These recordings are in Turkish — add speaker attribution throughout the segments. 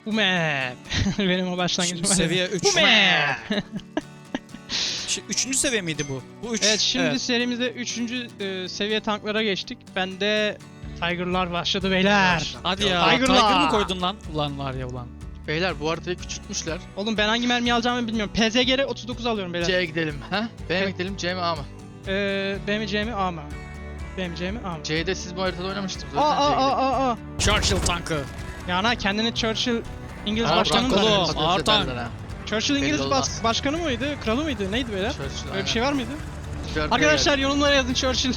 Speaker 1: Bu map. Benim o başlangıcım
Speaker 2: Şimdi
Speaker 1: var.
Speaker 2: seviye 3.
Speaker 1: Bu map.
Speaker 2: 3. seviye miydi bu? Bu 3.
Speaker 1: Evet, şimdi serimizde 3. seviye tanklara geçtik. Bende Tiger'lar başladı beyler.
Speaker 2: Hadi ya.
Speaker 1: Tiger'lar.
Speaker 2: Tiger mı koydun lan? Ulan var ya ulan.
Speaker 3: Beyler bu haritayı küçültmüşler.
Speaker 1: Oğlum ben hangi mermiyi alacağımı bilmiyorum. PZG'de 39 alıyorum beyler.
Speaker 3: C'ye gidelim. Ha? B'ye mi
Speaker 1: Evet.
Speaker 3: gidelim, C mi A mı?
Speaker 1: B mi C mi A mı? B mi C mi A mı?
Speaker 3: C'de siz bu haritada oynamıştınız. O
Speaker 1: Aa
Speaker 3: yüzden C'ye gidelim.
Speaker 1: aa.
Speaker 2: Churchill tankı.
Speaker 1: Yani kendini Churchill İngiliz
Speaker 3: Aa,
Speaker 1: başkanı mı
Speaker 2: Brankolo.
Speaker 1: zannediyorsun?
Speaker 3: patates
Speaker 2: ağır tank.
Speaker 3: ederler ha.
Speaker 1: Churchill
Speaker 3: Belli
Speaker 1: İngiliz
Speaker 3: olmaz.
Speaker 1: başkanı mıydı? Kralı mıydı? Neydi beyler?
Speaker 3: Churchill,
Speaker 1: Öyle bir şey var mıydı?
Speaker 3: aynen.
Speaker 1: Arkadaşlar yorumlara yazın Churchill.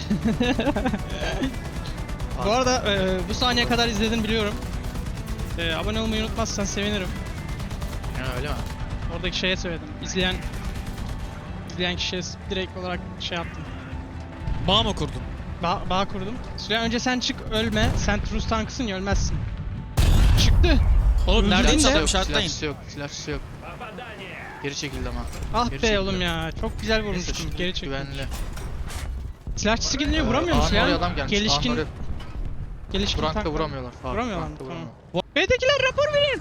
Speaker 1: Bu arada bu saniye kadar izledin biliyorum. Abone olmayı unutmazsan sevinirim.
Speaker 3: Ya, öyle mi?
Speaker 1: Oradaki şeye söyledim. İzleyen kişiye direkt olarak şey yaptım.
Speaker 2: Bağ mı kurdun?
Speaker 1: Bağ kurdum. Süleyman önce sen çık ölme. Sen Rus tankısın ya ölmezsin. Çıktı.
Speaker 2: Oğlum nereden
Speaker 1: Öldürdün de-
Speaker 2: çaldım
Speaker 3: Silahçısı
Speaker 2: şartlayın.
Speaker 3: yok, silahçısı yok. Geri çekildi ama.
Speaker 1: Ah
Speaker 3: Geri
Speaker 1: be
Speaker 3: çekildi.
Speaker 1: oğlum ya. Çok güzel
Speaker 3: Neyse,
Speaker 1: vurmuştum.
Speaker 3: şimdi
Speaker 1: Geri çektim.
Speaker 3: güvenli.
Speaker 1: Silahçısı gidince vuramıyor musun
Speaker 3: Ağanın oraya
Speaker 1: ya?
Speaker 3: adam gelmiş.
Speaker 1: Gelişkin
Speaker 3: Ağanın
Speaker 1: gelişkin
Speaker 3: oraya Brank'ta
Speaker 1: tanklar.
Speaker 3: vuramıyorlar.
Speaker 1: Vuramıyorlar mı?
Speaker 3: Brank'ta
Speaker 1: Tamam.
Speaker 3: vuramıyor.
Speaker 1: B'dekiler rapor verin.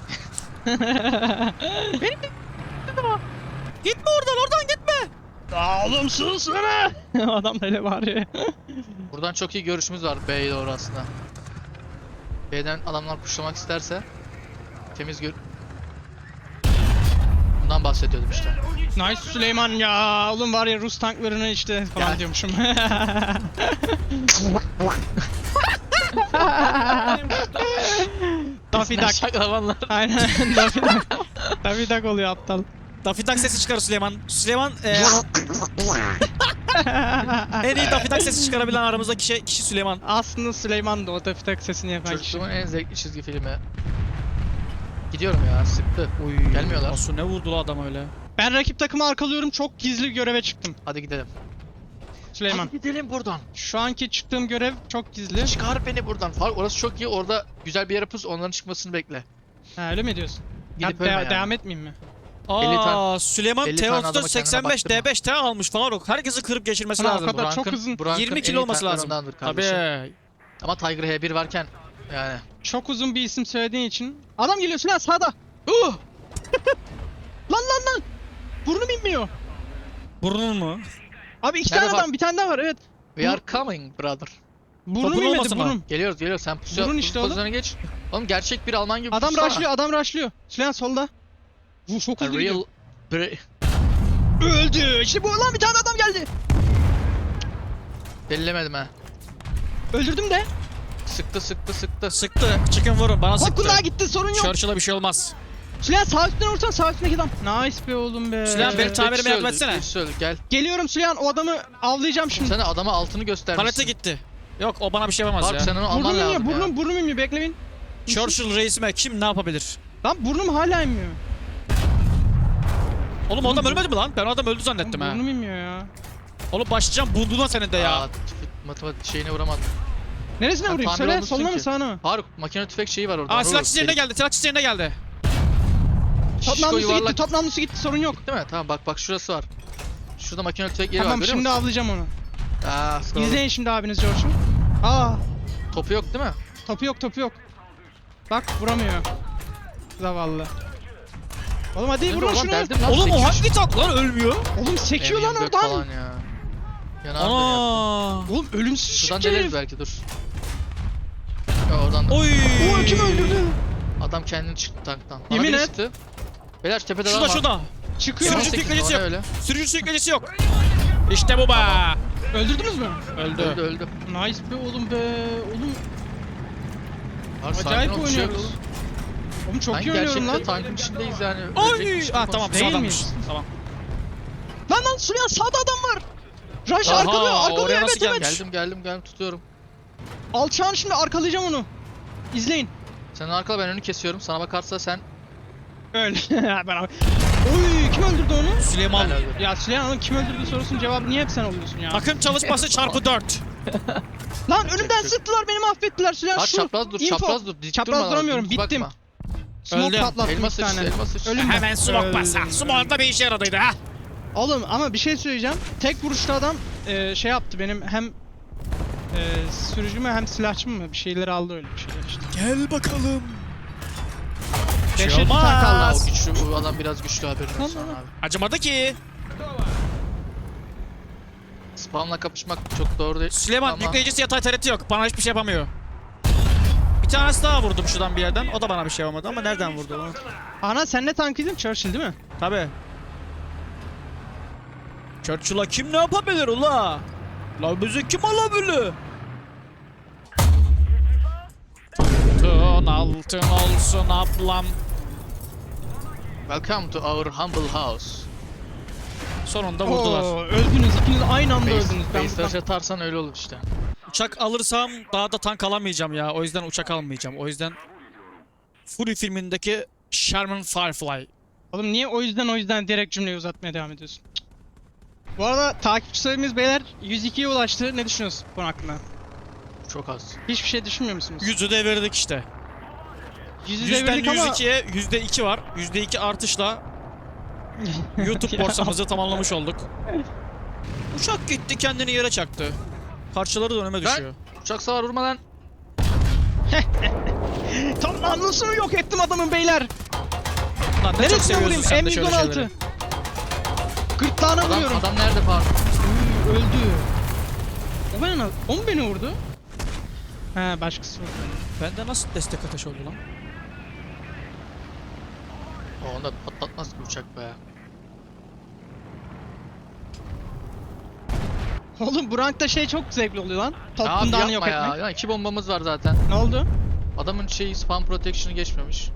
Speaker 2: Gitme oradan gitme.
Speaker 1: Aa oğlum sus lan. Adam da öyle bağırıyor.
Speaker 3: Buradan çok iyi görüşümüz var B'ye doğru aslında. B'den adamlar pushlamak isterse temiz bundan bahsediyordum işte.
Speaker 1: Nice Süleyman ya. Oğlum var ya Rus tanklarını işte falan
Speaker 3: Gel.
Speaker 1: diyormuşum. Daffy Duck.
Speaker 3: Şaklamanlar.
Speaker 1: Aynen Daffy Duck. Daffy Duck oluyor aptal.
Speaker 2: Daffy Duck sesi çıkar Süleyman. Süleyman en iyi Daffy Duck sesi çıkarabilen aramızdaki kişi Süleyman.
Speaker 1: Aslında Süleyman da o Daffy Duck sesini yapan kişi.
Speaker 3: Çocukluğumun en zevkli çizgi filmi. Gidiyorum ya, sıktı. Gelmiyorlar.
Speaker 2: Asu ne vurdu la adam öyle?
Speaker 1: Ben rakip takımı arkalıyorum. Çok gizli göreve çıktım.
Speaker 3: Hadi gidelim.
Speaker 1: Süleyman.
Speaker 3: Hadi gidelim buradan.
Speaker 1: Şu anki çıktığım görev çok gizli.
Speaker 3: Çıkar beni buradan. Orası çok iyi. Orada güzel bir yere pus. Onların çıkmasını bekle.
Speaker 1: Ha öyle mi diyorsun?
Speaker 3: Gidip
Speaker 1: Ya,
Speaker 3: ölme yani.
Speaker 1: devam etmeyeyim mi?
Speaker 2: Aa, Süleyman
Speaker 3: 50 tane adama kendine
Speaker 2: T34-85
Speaker 3: baktırma.
Speaker 2: D5 T almış Faruk. Herkesi kırıp geçirmesi
Speaker 1: Ulan o
Speaker 2: lazım.
Speaker 1: kadar çok uzun.
Speaker 2: 20 kilo olması lazım. Tabii.
Speaker 3: Ama Tiger H1 varken yani.
Speaker 1: Çok uzun bir isim söylediğin için. Adam geliyor Sinan sağda. Lan. Burnum inmiyor.
Speaker 2: Burnun mu?
Speaker 1: Abi iki
Speaker 3: Nerede
Speaker 1: tane
Speaker 3: bak?
Speaker 1: adam bir tane daha var evet.
Speaker 3: We are coming brother.
Speaker 1: Burnum
Speaker 2: Topun
Speaker 1: inmedi
Speaker 2: olmasın
Speaker 1: burnum.
Speaker 3: Geliyoruz. Sen pusuya
Speaker 1: Vurun işte oğlum.
Speaker 3: pozisyona geç. Oğlum gerçek bir Alman gibi
Speaker 1: Adam
Speaker 3: pussana.
Speaker 1: rushlıyor. Sinan solda. Bu çok
Speaker 3: A
Speaker 1: hızlı
Speaker 3: real...
Speaker 1: gidiyor. Öldü. İşte bu lan bir tane adam geldi.
Speaker 3: Bellemedim ha.
Speaker 1: Öldürdüm de.
Speaker 3: Sıktı.
Speaker 2: Sıktı. Çıkın vurun. Bana sıktı.
Speaker 1: Hakkında gitti sorun yok.
Speaker 2: Churchill'a bir şey olmaz.
Speaker 1: Sinan sağ üstüne vursan sağ üstündeki adam. Nice be oğlum be.
Speaker 2: Sinan, beni tamirime yardım etsene.
Speaker 3: Birisi öldü, gel.
Speaker 1: Geliyorum Sinan o adamı avlayacağım şimdi.
Speaker 3: Sen de adama altını göstermişsin.
Speaker 2: Palete gitti. Yok o bana bir şey yapamaz
Speaker 3: Faruk
Speaker 2: ya.
Speaker 3: sen onu alman
Speaker 1: Burnum
Speaker 3: lazım
Speaker 1: inmiyor
Speaker 3: ya.
Speaker 1: burnum inmiyor bekleyin.
Speaker 2: Churchill reisime kim ne yapabilir?
Speaker 1: Lan burnum hala inmiyor.
Speaker 2: Oğlum o adam ölmedi mi lan? Ben o adam öldü zannettim ha.
Speaker 1: Burnum inmiyor ya.
Speaker 2: Oğlum başlayacağım bunduna senin de ya.
Speaker 3: Aa, matematik şeyine vuramadım.
Speaker 1: Neresine
Speaker 3: Sen
Speaker 1: vurayım?
Speaker 3: tamir
Speaker 1: Söyle
Speaker 3: olmuşsun
Speaker 1: soluna mı
Speaker 3: ki.
Speaker 1: sağına mı?
Speaker 3: Faruk makine tüfek şeyi var orada.
Speaker 2: Aa
Speaker 3: onu
Speaker 2: silah
Speaker 3: vur.
Speaker 2: çiçeğine geldi. Silah çiçeğine geldi.
Speaker 1: Top
Speaker 3: Şişko
Speaker 1: namlusu
Speaker 3: yuvarlak.
Speaker 1: gitti, top namlusu gitti sorun yok.
Speaker 3: Değil mi? Tamam bak şurası var. Şurada makine tüfek yeri var
Speaker 1: Tamam
Speaker 3: görüyor
Speaker 1: şimdi
Speaker 3: musun?
Speaker 1: avlayacağım onu.
Speaker 3: Aa, sıkıldım.
Speaker 1: İzleyin şimdi abiniz George'u. Aa
Speaker 3: Topu yok değil mi?
Speaker 1: topu yok. Bak vuramıyor. Zavallı. Oğlum hadi vurun şunu.
Speaker 3: Derdim lan,
Speaker 2: Oğlum o
Speaker 3: sekiyor.
Speaker 2: hangi tank lan ölmüyor?
Speaker 1: Oğlum sekiyor lan
Speaker 3: M24
Speaker 1: oradan.
Speaker 3: falan ya. Yanardı ya.
Speaker 1: Oğlum ölümsüz
Speaker 3: Şuradan
Speaker 1: çıktı
Speaker 3: deneriz
Speaker 1: herif.
Speaker 3: belki dur. Ya oradan da.
Speaker 2: Oy.
Speaker 1: Oo kim öldürdü?
Speaker 3: Adam kendini çıktı tanktan. Bana
Speaker 1: Yemin
Speaker 3: biri
Speaker 1: et.
Speaker 3: sıktı. Beyler tepede adam
Speaker 2: Şurada
Speaker 3: var.
Speaker 2: şurada.
Speaker 1: Çıkıyor.
Speaker 2: Sürücü
Speaker 3: 18
Speaker 2: teknolojisi
Speaker 3: oraya
Speaker 2: yok.
Speaker 3: öyle.
Speaker 2: Sürücü teknolojisi yok. İşte bu be.
Speaker 1: Öldürdünüz mü?
Speaker 3: Öldü.
Speaker 1: Nice be oğlum be. Oğlum
Speaker 3: Abi, sakin
Speaker 1: acayip
Speaker 3: ol, bir şey yok.
Speaker 1: oynuyoruz. Oğlum çok
Speaker 3: Ben
Speaker 1: iyi oynuyorum
Speaker 3: gerçekten
Speaker 1: lan.
Speaker 3: tankın içindeyiz yani.
Speaker 2: Oy.
Speaker 3: Ölecekmiş
Speaker 2: Ah
Speaker 3: gibi
Speaker 2: tamam
Speaker 1: Değil
Speaker 2: sağdanmış.
Speaker 1: miyiz?
Speaker 2: Tamam.
Speaker 1: Lan Süleyman sağda adam var. Rush
Speaker 2: Aha,
Speaker 1: arkalıyor
Speaker 2: oraya
Speaker 1: evet
Speaker 2: nasıl
Speaker 1: evet.
Speaker 2: gelmiş?
Speaker 3: Geldim tutuyorum.
Speaker 1: Alçağın şimdi arkalayacağım onu. İzleyin.
Speaker 3: Sen arkala ben önü kesiyorum. Sana bakarsa sen
Speaker 1: Öyle. Ben abi. Oy kim öldürdü onu?
Speaker 2: Süleyman.
Speaker 3: ben öldüm.
Speaker 1: Ya Süleyman oğlum kim öldürdü sorusunun cevabı niye hep sen oluyorsun ya?
Speaker 2: Takım çalışması çarpı 4.
Speaker 1: Lan önümden sıktılar beni mahvettiler Süleyman
Speaker 3: Bak
Speaker 1: şu.
Speaker 3: çapraz dur,
Speaker 1: info.
Speaker 3: çapraz dur. Dik
Speaker 1: Çapraz
Speaker 3: durma,
Speaker 1: duramıyorum,
Speaker 3: dümdüz
Speaker 1: bittim.
Speaker 3: bakma.
Speaker 1: Smoke
Speaker 2: Öldüm.
Speaker 1: patlattım
Speaker 3: Elma
Speaker 1: bir
Speaker 3: sıçtı,
Speaker 1: tane.
Speaker 3: elma sıçtı.
Speaker 1: Ölüm.
Speaker 2: Hemen smoke
Speaker 1: Öldüm.
Speaker 2: basa. Smoke da bir işe yaradıydı ha.
Speaker 1: Oğlum ama bir şey söyleyeceğim. Tek vuruşta adam şey yaptı benim hem sürücümü hem silahçımı mı bir şeyleri aldı öyle bir şeyler işte.
Speaker 2: Gel bakalım. Bir şey
Speaker 1: 5-7 tank
Speaker 2: olmaz.
Speaker 1: kaldı.
Speaker 3: Aa, o güçlü, bu adam biraz güçlü, haberin olsun
Speaker 1: Tamam.
Speaker 3: abi.
Speaker 2: Acımadı ki.
Speaker 3: Spamla kapışmak çok doğru değil.
Speaker 2: Süleyman
Speaker 3: Ama
Speaker 2: yükleyicisi yatay tareti yok. Bana hiçbir şey yapamıyor. Bir tanesi daha vurdum şuradan bir yerden. O da bana bir şey yapamadı ama nereden vurdu onu?
Speaker 1: Ana sen ne tankıydın? Churchill değil mi?
Speaker 2: Tabi. Churchill'a kim ne yapabilir ula? La bizi kim alabilir? Altın olsun ablam.
Speaker 3: welcome to our humble house.
Speaker 2: Sonunda vurdular.
Speaker 1: Oo, öldünüz. İkiniz aynı anda öldünüz. Ben
Speaker 3: Base
Speaker 1: buradan...
Speaker 3: rush atarsan öyle olur işte.
Speaker 2: Uçak alırsam daha da tank alamayacağım ya. O yüzden uçak almayacağım. O yüzden Fury filmindeki Sherman Firefly.
Speaker 1: Oğlum niye o yüzden direkt cümleyi uzatmaya devam ediyorsun? Cık. Bu arada takipçi sayımız beyler 102'ye ulaştı. Ne düşünüyorsunuz bu konu hakkında?
Speaker 3: Çok az.
Speaker 1: Hiçbir şey düşünmüyor musunuz?
Speaker 2: Yüzü devirdik işte.
Speaker 1: Yüzü
Speaker 2: Yüzden
Speaker 1: devirdik ama...
Speaker 2: 102'ye %2 var. %2 artışla YouTube
Speaker 1: Ya,
Speaker 2: borsamızı tamamlamış olduk. Uçak gitti kendini yere çaktı. Parçaları da önüme düşüyor.
Speaker 3: Uçak savar vurmadan.
Speaker 1: Tam namlusunu yok ettim adamın beyler.
Speaker 2: Lan ne çok
Speaker 1: Neresine
Speaker 2: seviyorsun
Speaker 1: vurayım?
Speaker 2: sen de şöyle
Speaker 1: M116.
Speaker 2: şeyleri.
Speaker 1: Gırtlağına vuruyorum.
Speaker 3: Adam nerede falan?
Speaker 1: Öldü. O mu beni vurdu? He başkası vurdu.
Speaker 2: Bende nasıl destek ateşi oldu lan?
Speaker 3: O onda patlatmaz ki uçak be.
Speaker 1: Oğlum bu rankta şey çok zevkli oluyor lan.
Speaker 3: Abi
Speaker 1: Toplumdan yok
Speaker 3: yapma ya.
Speaker 1: etmek.
Speaker 3: Ya 2 bombamız var zaten.
Speaker 1: Ne oldu?
Speaker 3: Adamın şeyi spam protection'ı geçmemiş.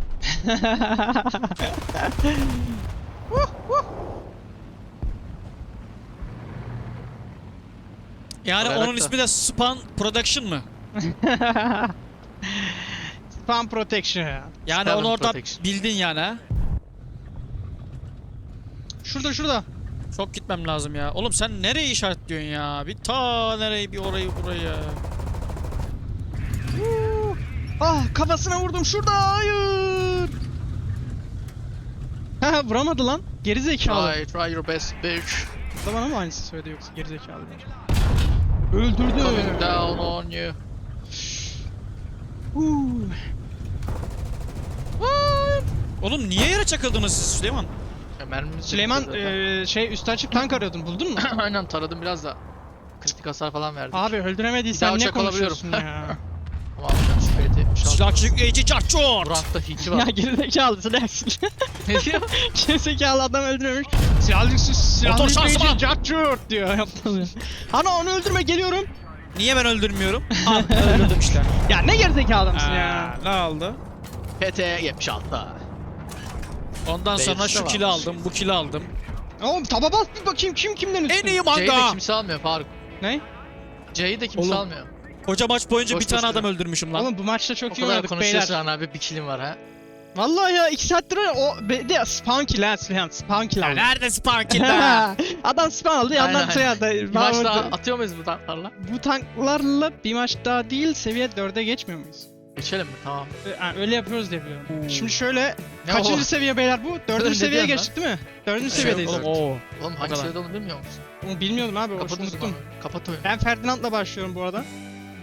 Speaker 2: Yani
Speaker 3: Olarak
Speaker 2: onun
Speaker 3: da.
Speaker 2: ismi de Span Production mı?
Speaker 1: Spam protection ya.
Speaker 2: Yani
Speaker 3: Spam
Speaker 2: onu orada
Speaker 3: Protection.
Speaker 2: bildin yani ha?
Speaker 1: Şurada.
Speaker 2: Çok gitmem lazım ya. Oğlum sen nereyi işaretliyorsun ya? Bir ta nereyi, bir orayı, burayı.
Speaker 1: Ah kafasına vurdum şurada. Hayır. Ha vuramadı lan. Geri zekalı.
Speaker 3: Try your best bitch.
Speaker 1: Da bana mı aynısı söyledi yoksa geri zekalı bence. Öldürdü.
Speaker 3: Coming down on you.
Speaker 1: Huu.
Speaker 2: Oğlum niye yere çakıldınız siz Süleyman?
Speaker 3: Ya mermimiz
Speaker 1: Süleyman
Speaker 3: çekti zaten.
Speaker 1: şey üstü açık tank arıyordun buldun mu?
Speaker 3: Aynen taradım biraz da. Kritik hasar falan verdik.
Speaker 1: Abi
Speaker 3: Bir
Speaker 1: öldüremediysen
Speaker 3: daha
Speaker 1: ne
Speaker 3: uçak alabiliyorum.
Speaker 1: konuşuyorsun ya?
Speaker 3: Ama abi şüphe etmiş.
Speaker 2: Silah çekleyici
Speaker 3: Bu
Speaker 2: çarçur!
Speaker 3: rankta hiti
Speaker 1: Ya
Speaker 3: var.
Speaker 1: gerizekalı silahsın.
Speaker 3: Ne diyor?
Speaker 1: Gerizekalı adam öldürmemiş. Silahlı
Speaker 2: Motor şanzıman!
Speaker 1: yükleyici cart diyor. Yaptım. Ana onu öldürme geliyorum.
Speaker 2: Niye ben öldürmüyorum? Al öldürdüm işte.
Speaker 1: Ya ne gerizekalı adamsın ya.
Speaker 2: Ne oldu?
Speaker 3: PT 76.
Speaker 2: Ondan sonra
Speaker 3: Beyazı
Speaker 2: şu
Speaker 3: da
Speaker 2: kili
Speaker 3: varmış.
Speaker 2: aldım, bu kili aldım.
Speaker 1: Oğlum taba bas bir bakayım kim kimden üstün.
Speaker 2: En iyi
Speaker 3: C'yi de
Speaker 2: manga!
Speaker 3: kimse almıyor Faruk.
Speaker 1: Ne?
Speaker 3: C'yi de kimse
Speaker 2: Oğlum,
Speaker 3: almıyor.
Speaker 2: Koca maç boyunca
Speaker 3: Boş
Speaker 2: bir tane
Speaker 3: boş
Speaker 2: adam
Speaker 3: duruyor.
Speaker 2: öldürmüşüm lan.
Speaker 1: Oğlum bu maçta
Speaker 3: O
Speaker 1: çok iyi
Speaker 3: kadar
Speaker 1: oynadık
Speaker 3: konuşuyorsun
Speaker 1: beyler.
Speaker 3: abi, bir kilim var ha.
Speaker 1: Vallahi ya 2 saattir o de spawn kill ha Süleyman spawn kill aldı.
Speaker 2: Nerede Sparkil be?
Speaker 1: Adam spawn aldı yandan
Speaker 3: Aynen.
Speaker 1: şey aldı.
Speaker 3: Bir maç daha atıyor muyuz bu tanklarla?
Speaker 1: Bu tanklarla bir maç daha değil seviye 4'e geçmiyor muyuz?
Speaker 3: Geçelim mi? Tamam.
Speaker 1: Yani öyle yapıyoruz diye biliyorum.
Speaker 2: Oo.
Speaker 1: Şimdi şöyle
Speaker 3: Ne
Speaker 1: kaçıncı
Speaker 3: o?
Speaker 1: seviye beyler bu? 4.
Speaker 3: Ne
Speaker 1: seviyeye
Speaker 3: diyorsun
Speaker 1: geçtik değil mi? 4.
Speaker 3: Evet,
Speaker 1: seviyedeyiz.
Speaker 3: oğlum.
Speaker 2: Oo.
Speaker 3: Oğlum hangi
Speaker 2: kadar.
Speaker 3: seviyede olduğunu bilmiyor musun?
Speaker 1: Onu bilmiyordum abi.
Speaker 3: Kapat o
Speaker 1: Unuttum.
Speaker 3: zaman. Kapat oyunu.
Speaker 1: Ben Ferdinand'la başlıyorum bu arada.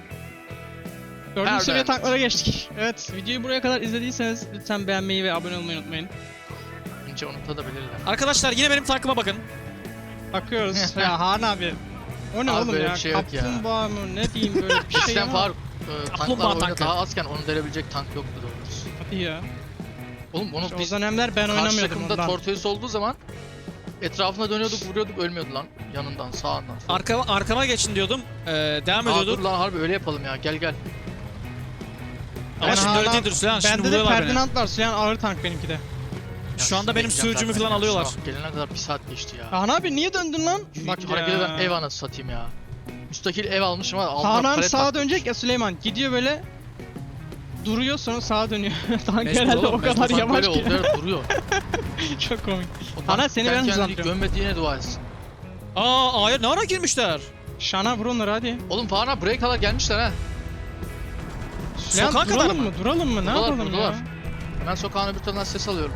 Speaker 1: 4.
Speaker 3: Nerede?
Speaker 1: seviye tanklara geçtik. Evet, videoyu buraya kadar izlediyseniz lütfen beğenmeyi ve abone olmayı unutmayın.
Speaker 3: Önce unutabilirler.
Speaker 2: Arkadaşlar yine benim tankıma bakın.
Speaker 1: Bakıyoruz. Ya Han abi. O ne
Speaker 3: Abi
Speaker 1: oğlum
Speaker 3: böyle
Speaker 1: ya?
Speaker 3: bir şey yok ya.
Speaker 1: Kaplumbağa mı? Ne diyeyim böyle bir şey
Speaker 3: Eskiden
Speaker 1: ama.
Speaker 3: Faruk
Speaker 2: Kaplumbağa
Speaker 3: tanklar oyunda
Speaker 2: tankı.
Speaker 3: daha azken onu delebilecek tank yoktu doğrusu.
Speaker 1: Hadi ya.
Speaker 3: Oğlum onu
Speaker 1: İşte o
Speaker 3: biz
Speaker 1: dönemler ben
Speaker 3: karşı
Speaker 1: oynamıyordum
Speaker 3: takımda
Speaker 1: ondan.
Speaker 3: Tortoise olduğu zaman etrafına dönüyorduk, vuruyorduk, ölmüyordu lan. Yanından, sağından.
Speaker 2: Arkama geçin diyordum. Devam
Speaker 3: Aa, dur
Speaker 2: ediyordum.
Speaker 3: lan harbi öyle yapalım ya, gel gel.
Speaker 2: Ama
Speaker 1: Ben
Speaker 2: şimdi
Speaker 1: hala-
Speaker 2: öyle değildir Süleyman. Şimdi
Speaker 1: Bende de
Speaker 2: vuruyorlar beni.
Speaker 1: Ferdinand var. Süleyman ağır tank benimki de.
Speaker 2: Şu anda benim
Speaker 3: Bekleyeceğim
Speaker 2: sığırcımı
Speaker 3: zaten.
Speaker 2: falan alıyorlar.
Speaker 3: Şu an Gelene kadar bir saat geçti ya.
Speaker 1: Han abi niye döndün lan? Bak
Speaker 3: Harekete
Speaker 1: ya.
Speaker 3: ben ev anası satayım ya. Müstakil ev almışım ama altına
Speaker 1: Hanan
Speaker 3: palet
Speaker 1: sağa
Speaker 3: taktım.
Speaker 1: dönecek ya Süleyman. Gidiyor böyle duruyor sonra sağa dönüyor. Tank
Speaker 2: Mecbur
Speaker 1: herhalde
Speaker 2: oğlum,
Speaker 1: o kadar
Speaker 3: Sanki
Speaker 1: yavaş
Speaker 3: böyle
Speaker 1: ki.
Speaker 3: oldu, evet, duruyor.
Speaker 1: Çok komik.
Speaker 3: O
Speaker 1: Ana,
Speaker 3: tank
Speaker 1: seni ben
Speaker 3: kendi kendini
Speaker 1: hızlandırıyorum.
Speaker 3: gömmediğine dua etsin.
Speaker 2: Aa ne ara girmişler?
Speaker 1: Şana vur onları hadi.
Speaker 3: Oğlum Faruk'a buraya kadar gelmişler ha.
Speaker 1: Süleyman
Speaker 2: Sokağa kadar
Speaker 1: duralım
Speaker 2: mı?
Speaker 1: mı? Duralım mı? Ne
Speaker 3: Buradalar,
Speaker 1: yapalım
Speaker 3: buradalar.
Speaker 1: ya?
Speaker 3: Ben sokağın öbür tarafından ses alıyorum.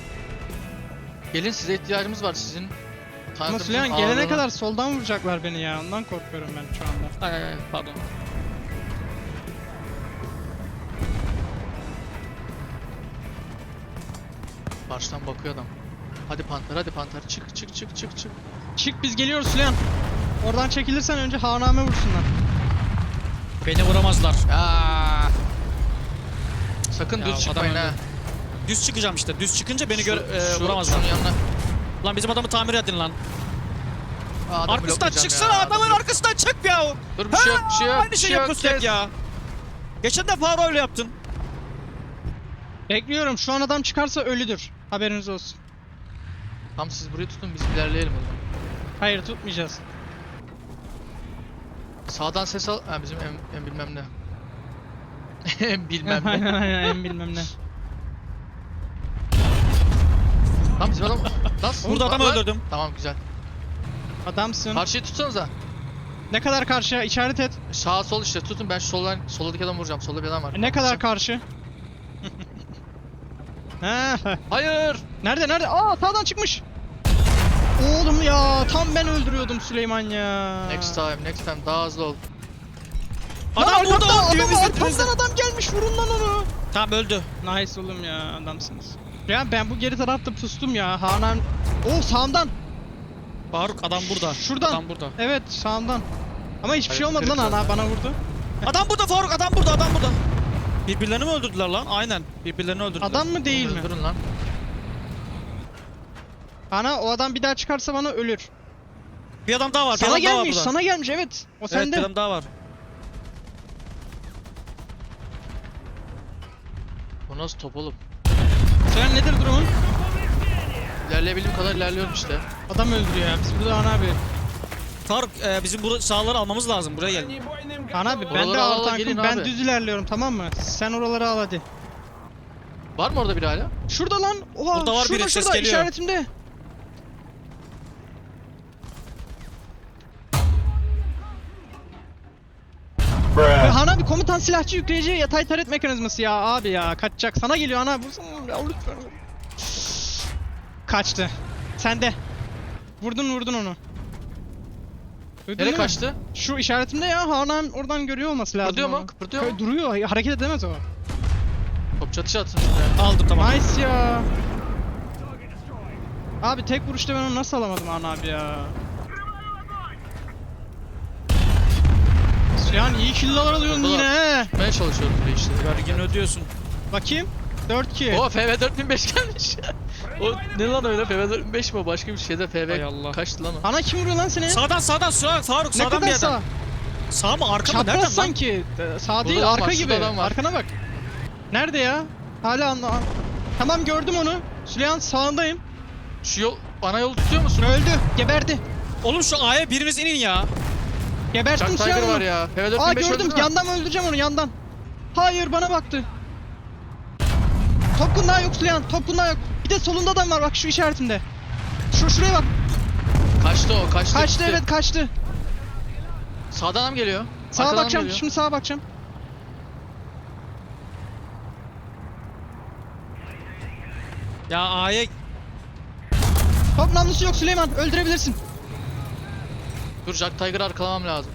Speaker 3: Gelin, size ihtiyacımız var sizin.
Speaker 1: Ama
Speaker 3: tankınızın
Speaker 1: Süleyman gelene
Speaker 3: ağırlığına-
Speaker 1: kadar soldan vuracaklar beni ya. Ondan korkuyorum ben şu anda.
Speaker 2: Ay pardon.
Speaker 3: Karşıdan bakıyor adam. Hadi Panter, hadi Panter. Çık çık çık çık çık.
Speaker 1: Çık biz geliyoruz Süleyman. Oradan çekilirsen önce haname vursunlar.
Speaker 2: Beni vuramazlar.
Speaker 3: Ya. Sakın
Speaker 2: Ya,
Speaker 3: düz
Speaker 2: adam
Speaker 3: çıkmayın ha.
Speaker 2: öldü. Düz çıkacağım işte. Düz çıkınca beni vuramazlar.
Speaker 3: Şunun yanına.
Speaker 2: Lan bizim adamı tamir edin lan.
Speaker 3: Aa, adamı
Speaker 2: Arkasından
Speaker 3: bloklayacağım
Speaker 2: çıksana,
Speaker 3: ya,
Speaker 2: adamın
Speaker 3: adamı-
Speaker 2: arkasından çık ya.
Speaker 3: Dur bir şey yok, bir şey yok.
Speaker 2: Aynı
Speaker 3: bir
Speaker 2: şey
Speaker 3: şey yok,
Speaker 2: yapıyorsun hep
Speaker 3: kes.
Speaker 2: ya. Geçen de Faro öyle yaptın.
Speaker 1: Bekliyorum. Şu an adam çıkarsa ölüdür. Haberiniz olsun.
Speaker 3: Tamam siz burayı tutun, biz ilerleyelim o zaman.
Speaker 1: Hayır tutmayacağız.
Speaker 3: Sağdan ses al. Ha bizim en bilmem ne. En bilmem ne.
Speaker 1: Aynen aynen en bilmem ne.
Speaker 3: Tamam bizim adam. Nasıl?
Speaker 2: Burada adam
Speaker 3: Lan.
Speaker 2: öldürdüm.
Speaker 3: Tamam güzel.
Speaker 1: Adamsın.
Speaker 3: Karşıyı tutsanıza.
Speaker 1: Ne kadar karşıya? İşaret et.
Speaker 3: Sağ sol işte tutun, ben şu soldaki adamı vuracağım. Solda bir adam var.
Speaker 1: Ne kadar karşı? Ha,
Speaker 3: Hayır.
Speaker 1: nerede? Aa sağdan çıkmış. Oğlum ya tam ben öldürüyordum Süleyman ya.
Speaker 3: Next time daha hızlı ol.
Speaker 1: Lan
Speaker 2: Adam burada
Speaker 1: arkamdan,
Speaker 2: diyor
Speaker 1: adam,
Speaker 2: bizde.
Speaker 1: arkamdan adam gelmiş vurun lan onu.
Speaker 2: Tamam öldü.
Speaker 1: Nice oğlum ya adamsınız. Ya ben bu geri tarafta pustum ya. Hanan. Oo sağımdan.
Speaker 2: Faruk adam burada.
Speaker 1: Şuradan.
Speaker 2: Adam burada.
Speaker 1: Evet sağımdan. Ama hiçbir şey
Speaker 3: Hayır,
Speaker 1: olmadı lan
Speaker 3: kırık
Speaker 1: ana
Speaker 3: zaten.
Speaker 1: bana vurdu.
Speaker 2: Adam burada Faruk, adam burada, adam burada. Birbirlerini mi öldürdüler lan? Aynen. Birbirlerini öldürdüler.
Speaker 1: Adam mı değil mi?
Speaker 3: Öldürün lan.
Speaker 1: Ana o adam bir daha çıkarsa bana ölür.
Speaker 2: Bir adam daha var. Bir
Speaker 1: Sana
Speaker 2: adam daha var
Speaker 1: gelmiş,
Speaker 2: burada.
Speaker 1: sana gelmiş evet. O
Speaker 2: Evet,
Speaker 1: sende.
Speaker 2: bir adam daha var.
Speaker 3: Bu nasıl top oğlum?
Speaker 1: Sen nedir durumun?
Speaker 3: İlerleyebildiğim kadar ilerliyorum işte.
Speaker 1: Adam öldürüyor ya. Biz burada ana abi.
Speaker 2: Faruk bizim bu sahaları almamız lazım. Buraya gel.
Speaker 1: Ana abi ben
Speaker 3: Oraları
Speaker 1: de
Speaker 3: al,
Speaker 1: ağır
Speaker 3: gelin
Speaker 1: tankım. Ben
Speaker 3: abi.
Speaker 1: düz ilerliyorum tamam mı? Sen oraları al hadi.
Speaker 3: Var mı orada biri hala?
Speaker 1: Şurada lan. Oha
Speaker 2: Burada var
Speaker 1: şurada
Speaker 2: biri, ses
Speaker 1: şurada
Speaker 2: geliyor.
Speaker 1: işaretimde. Ya Hana abi komutan silahçı yükleyici yatay taret mekanizması ya abi ya kaçacak sana geliyor ana vursana ya lütfen. Kaçtı. Sende. Vurdun onu. Duydun
Speaker 3: Nereye
Speaker 1: değil mi?
Speaker 3: kaçtı?
Speaker 1: Şu işaretimde ya Hanan oradan görüyor olması lazım.
Speaker 3: Kıpırdıyor mu?
Speaker 1: onu.
Speaker 3: Kıpırdıyor mu?
Speaker 1: Duruyor hareket edemez o.
Speaker 3: Top çatışı atsın şuraya.
Speaker 2: Aldım tamam.
Speaker 1: Nice ya. Abi tek vuruşta ben onu nasıl alamadım Hanan abi ya. Yani iyi kill'lar alıyorsun
Speaker 3: Burada
Speaker 1: yine he.
Speaker 3: Tutmaya çalışıyorum burayı işte.
Speaker 2: Vergini ödüyorsun.
Speaker 1: Bakayım. 4-2.
Speaker 3: Oo FV 4005 gelmiş. O ne lan öyle FV 4005 mi o? Başka bir şeyde
Speaker 2: Hay Allah.
Speaker 3: FV kaçtı lan o?
Speaker 1: Ana kim vuruyor lan seni?
Speaker 2: Sağdan Faruk
Speaker 1: Ne
Speaker 2: sağdan
Speaker 1: kadar
Speaker 2: bir
Speaker 1: sağ?
Speaker 2: adam. Sağ mı arka mı nereden
Speaker 1: Çapraz
Speaker 2: lan?
Speaker 1: sanki. Sağ değil
Speaker 3: adam
Speaker 1: arka
Speaker 3: var,
Speaker 1: gibi.
Speaker 3: şurada adam var.
Speaker 1: Arkana bak. Nerede ya? Hala anla. Tamam gördüm onu. Süleyman sağındayım.
Speaker 3: Şu yol, ana yolu tutuyor musun?
Speaker 1: Öldü. Geberdi.
Speaker 2: Oğlum şu A'ya biriniz inin ya.
Speaker 1: Geberttim
Speaker 3: Chuck
Speaker 1: Süleyman
Speaker 3: Tiger
Speaker 1: onu.
Speaker 3: var ya. FV
Speaker 1: Aa
Speaker 3: 4005
Speaker 1: gördüm.
Speaker 3: öldü mü?
Speaker 1: Yandan öldüreceğim onu yandan. Hayır bana baktı. Top kundağı yok Süleyman. Top kundağı yok. Bir de solunda adam var bak şu işaretimde. Şuraya bak.
Speaker 3: Kaçtı o, kaçtı.
Speaker 1: Kaçtı
Speaker 3: gitti.
Speaker 1: evet kaçtı.
Speaker 3: Sağdan adam geliyor.
Speaker 1: Sağa
Speaker 3: Arkadan
Speaker 1: bakacağım.
Speaker 3: geliyor.
Speaker 1: Şimdi sağa bakacağım.
Speaker 2: Ya A'ya
Speaker 1: Top namlusu yok Süleyman. Öldürebilirsin.
Speaker 3: Dur Jack Tiger'ı arkalamam lazım.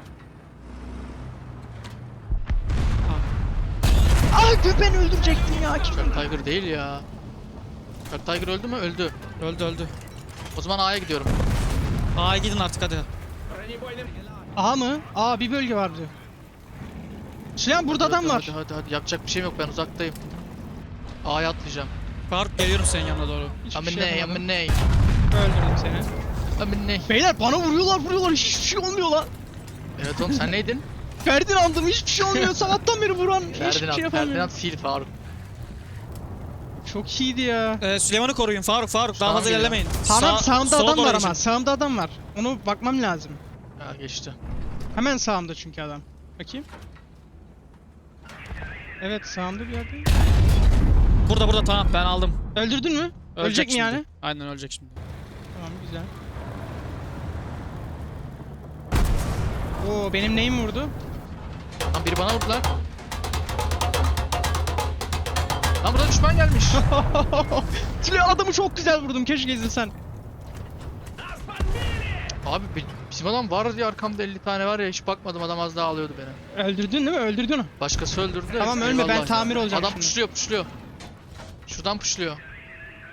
Speaker 1: Ah köpeğini öldürecektim ya. Kim?
Speaker 3: Jack Tiger değil ya. Jack Tiger öldü mü? Öldü.
Speaker 2: öldü.
Speaker 3: O zaman A'ya gidiyorum.
Speaker 2: A'ya gidin artık hadi.
Speaker 1: A mı? Aa bir bölge var diyor. Süleyman burada
Speaker 3: Hadi,
Speaker 1: adam var.
Speaker 3: Hadi. Yapacak bir şeyim yok, ben uzaktayım. A'ya atlayacağım.
Speaker 2: Faruk geliyorum senin yanına doğru.
Speaker 1: Hiçbir şey yapamadım.
Speaker 3: Aminey.
Speaker 1: Öldürdüm seni.
Speaker 3: Aminey.
Speaker 1: Beyler bana vuruyorlar hiçbir şey olmuyor lan.
Speaker 3: Evet oğlum sen neydin?
Speaker 1: Ferdinand'ım hiçbir şey olmuyor sabahtan beri vuran hiçbir şey
Speaker 3: Ferdinand
Speaker 1: yapamıyor.
Speaker 3: Fil Faruk.
Speaker 1: Çok iyiydi ya.
Speaker 2: Süleyman'ı koruyun Faruk daha
Speaker 3: Sağım
Speaker 2: fazla
Speaker 3: geliyor.
Speaker 2: ilerlemeyin.
Speaker 1: Tamam sağımda
Speaker 2: sola
Speaker 1: adam
Speaker 2: doğru
Speaker 1: var
Speaker 2: geçin.
Speaker 1: ama sağımda adam var. Onu bakmam lazım.
Speaker 3: Ha geçti.
Speaker 1: Hemen sağımda çünkü adam. Bakayım. Evet sağımda bir yerde.
Speaker 2: Burada tamam ben aldım.
Speaker 1: Öldürdün mü? Ölecek mi
Speaker 2: şimdi.
Speaker 1: yani?
Speaker 2: Aynen ölecek şimdi.
Speaker 1: Tamam güzel. Oo benim neyim vurdu?
Speaker 3: Lan biri bana vurdu lan. Lan burada düşman gelmiş.
Speaker 1: Tülay adamı çok güzel vurdum keşke izlesen.
Speaker 3: Abi bizim adam var diye arkamda 50 tane var ya, hiç bakmadım, adam az daha alıyordu beni.
Speaker 1: Öldürdün değil mi? Öldürdün onu.
Speaker 3: Başkası öldürdü de.
Speaker 1: Tamam, ölme, ben
Speaker 3: eyvallah
Speaker 1: tamir
Speaker 3: ya.
Speaker 1: olacağım
Speaker 3: Adam
Speaker 1: şimdi.
Speaker 3: puşluyor. Şuradan puşluyor.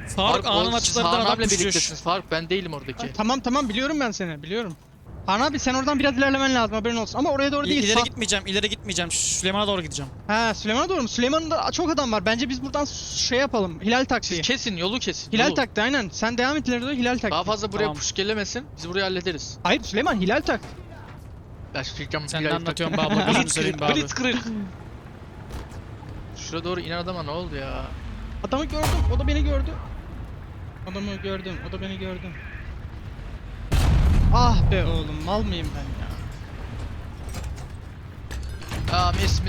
Speaker 2: Faruk anın
Speaker 3: siz
Speaker 2: açılarından
Speaker 3: Harun
Speaker 2: adam
Speaker 3: abiyle
Speaker 2: düşüyor.
Speaker 3: birliktesiniz Faruk, ben değilim oradaki.
Speaker 1: Tamam biliyorum ben seni biliyorum. Han abi sen oradan biraz ilerlemen lazım haberin olsun. Ama oraya doğru değil.
Speaker 2: İleri
Speaker 1: sağ-
Speaker 2: gitmeyeceğim, ileri gitmeyeceğim. Süleyman'a doğru gideceğim.
Speaker 1: Ha Süleyman'a doğru mu? Süleyman'da çok adam var. Bence biz buradan şey yapalım. Hilal
Speaker 3: Siz
Speaker 1: taktiği.
Speaker 3: kesin, yolu kesin.
Speaker 1: Hilal
Speaker 3: yolu.
Speaker 1: taktiği aynen. Sen devam et ileri doğru Hilal taktiği.
Speaker 3: Daha fazla buraya
Speaker 2: Tamam.
Speaker 3: push gelemesin. Biz burayı hallederiz.
Speaker 1: Hayır Süleyman Hilal tak.
Speaker 3: Ya şu
Speaker 2: Sen ne anlatıyorsun be abla, gözünü seveyim be abi.
Speaker 3: Blitzkrieg. Şuraya doğru inen adama ne oldu ya?
Speaker 1: Adamı gördüm. O da beni gördü. Adamı gördüm. O da beni gördü. Ah be oğlum mal mıyım ben ya?
Speaker 3: Aa mis.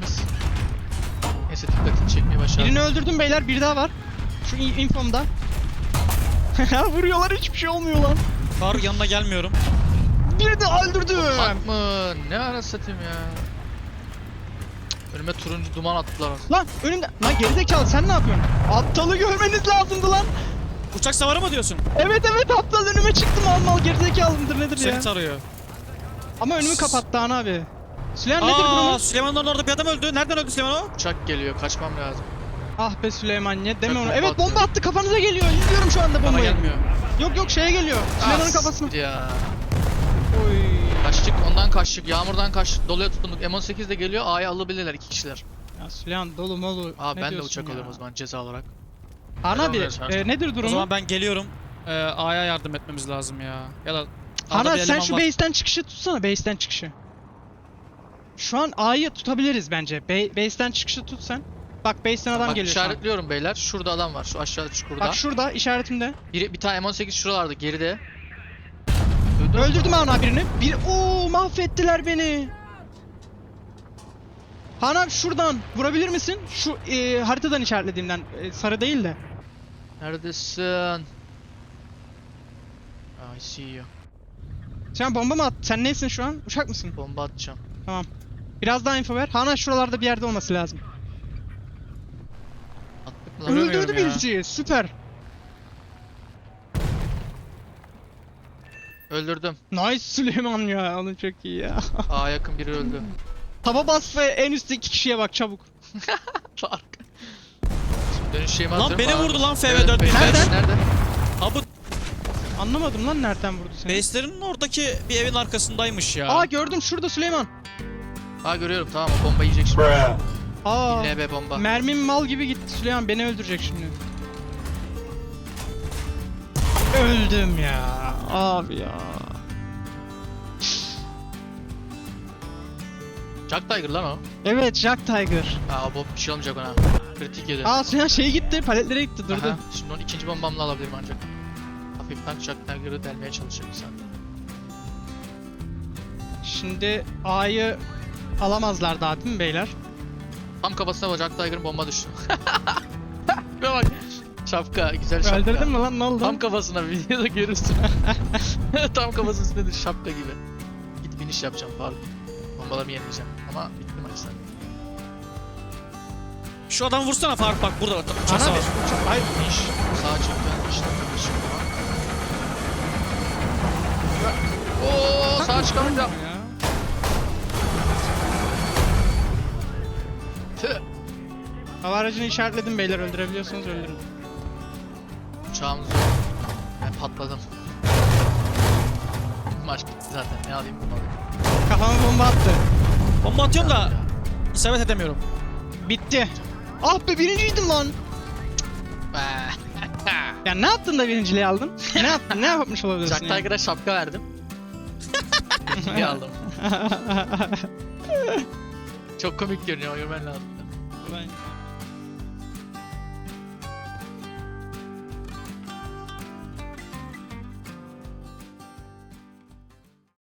Speaker 3: Neyse dikkatini çekmeye başardım.
Speaker 1: Birini öldürdüm beyler. Bir daha var. Şu infomda. Vuruyorlar hiçbir şey olmuyor lan.
Speaker 2: Faruk yanına gelmiyorum.
Speaker 1: Birini de öldürdüm.
Speaker 3: Tank mı? Ne ara satayım ya? Önüme turuncu duman attılar.
Speaker 1: Lan önümde. Lan gerizekalı sen ne yapıyorsun? Aptalı görmeniz lazımdı lan.
Speaker 2: Uçak savarı mı diyorsun?
Speaker 1: Evet aptal önüme çıktı mal gerizekalı mıdır nedir ya?
Speaker 2: Seni tarıyor.
Speaker 1: Ama önümü kapattı Han abi. Süleyman nedir
Speaker 2: Aa,
Speaker 1: durumu?
Speaker 2: Süleyman'ın orada bir adam öldü. Nereden öldü Süleyman o?
Speaker 3: Uçak geliyor, kaçmam lazım.
Speaker 1: Ah be Süleyman ne deme
Speaker 3: Çok
Speaker 1: onu.
Speaker 3: bomba
Speaker 1: Evet bomba
Speaker 3: atıyor.
Speaker 1: attı kafanıza geliyor. İzliyorum şu anda
Speaker 2: Bana
Speaker 1: bombayı.
Speaker 2: gelmiyor.
Speaker 1: Yok şeye geliyor. Süleyman'ın kafasına.
Speaker 3: Ya.
Speaker 1: Oy.
Speaker 3: Kaçtık, ondan kaçtık, yağmurdan kaçtık, doluya tutunduk. M18 de geliyor, A'ya alabilirler 2 kişiler.
Speaker 1: Ya Süleyman dolu molu.
Speaker 3: Aa
Speaker 1: Ne
Speaker 3: ben de
Speaker 1: diyorsun
Speaker 3: uçak
Speaker 1: ya?
Speaker 3: alıyorum o zaman ceza olarak.
Speaker 1: Han
Speaker 3: Ne
Speaker 1: abi
Speaker 3: oluyor sen?
Speaker 1: nedir
Speaker 2: O
Speaker 1: durumu?
Speaker 2: zaman ben geliyorum. A'ya yardım etmemiz lazım ya. Ya da
Speaker 1: Han
Speaker 2: A'da
Speaker 1: abi
Speaker 2: bir
Speaker 1: sen
Speaker 2: eleman
Speaker 1: şu
Speaker 2: var.
Speaker 1: base'ten çıkışı tutsana base'ten çıkışı. Şu an A'yı tutabiliriz bence. Base'ten çıkışı tut sen. Bak base'ten adam
Speaker 3: Bak
Speaker 1: geliyor şu an.
Speaker 3: işaretliyorum beyler. Şurada adam var, şu aşağıda çukurda.
Speaker 1: Bak şurada işaretimde.
Speaker 3: Bir tane M18 şuralarda geride. Duydun mu?
Speaker 1: Öldürdüm Han abi birini. Oo mahvettiler beni. Han abi şuradan vurabilir misin? Şu haritadan işaretlediğimden sarı değil de.
Speaker 3: Neredesin? I see you.
Speaker 1: Sen bomba mı at? Sen neysin şu an? Uçak mısın?
Speaker 3: Bomba atacağım.
Speaker 1: Tamam. Biraz daha info ver. Han abi şuralarda bir yerde olması lazım.
Speaker 3: Attık mı lan?
Speaker 2: Göremiyorum
Speaker 1: Öldürdü
Speaker 2: ya.
Speaker 1: birisi. Süper.
Speaker 3: Öldürdüm.
Speaker 1: Nice Süleyman ya. Onun çok iyi ya.
Speaker 3: Aa yakın biri öldü.
Speaker 1: Taba bas ve en üstteki kişiye bak çabuk.
Speaker 3: Fark. Şimdi dönüş şeyimi
Speaker 2: Lan
Speaker 3: atıyorum.
Speaker 2: beni
Speaker 3: Aa,
Speaker 2: vurdu lan FV4
Speaker 3: evet,
Speaker 2: beni.
Speaker 1: Nereden?
Speaker 3: Nerede?
Speaker 2: Ha bu
Speaker 1: Anlamadım lan nereden vurdu seni.
Speaker 2: base'lerin oradaki bir evin arkasındaymış ya.
Speaker 1: Aa gördüm şurada Süleyman.
Speaker 3: Aa görüyorum, tamam, o bomba yiyecek şimdi.
Speaker 1: Aa.
Speaker 3: LB bomba.
Speaker 1: Mermim mal gibi gitti Süleyman beni öldürecek şimdi. Öldüm ya. Abi ya.
Speaker 3: Jack Tiger lan o.
Speaker 1: Evet Jack Tiger.
Speaker 3: Aa o bir şey olmayacak ona. Kritik yedi.
Speaker 1: Aa Süleyman şey gitti paletlere gitti durdu.
Speaker 3: Aha, şimdi onu ikinci bombamla alabilirim ancak. Hafiften Jack Tiger'ı delmeye çalışacak bir saniye.
Speaker 1: Şimdi A'yı alamazlar daha değil mi beyler?
Speaker 3: Tam kafasına bak, Jack Tiger'ın bomba düştü. Şuna bak. Şapka, güzel şapka.
Speaker 1: Öldürdün mü lan ne oldu?
Speaker 3: Tam kafasına, videoda görürsün. Tam kafasının üstünde şapka gibi. Git biniş yapacağım Faruk. Bombalarımı yenileceğim ama bitti maçlar.
Speaker 2: Şu adamı vursana Faruk, bak burada uçak
Speaker 1: Ana
Speaker 2: savar.
Speaker 1: Hayır.
Speaker 3: İş, sağa çıktı, işte kardeşim ama. Ooo sağa çıkamayınca.
Speaker 1: Ya.
Speaker 3: Tüh.
Speaker 1: Hava aracını işaretledim beyler öldürebiliyorsanız öldürün.
Speaker 3: Uçağımız yok. Ben patladım. Maç bitti zaten, ne alayım bunu alayım.
Speaker 1: Kafama bomba attı.
Speaker 2: Bomba atıyorum da isabet edemiyorum.
Speaker 1: Bitti. Ah be birinciydim lan. Ya ne yaptın da birinciliği aldın? Ne yaptın? Ne yapmış olabilirsin?
Speaker 3: Jack Tiger'a şapka verdim. İyi aldım. Çok komik görünüyor, görmen lazım.
Speaker 1: Ben-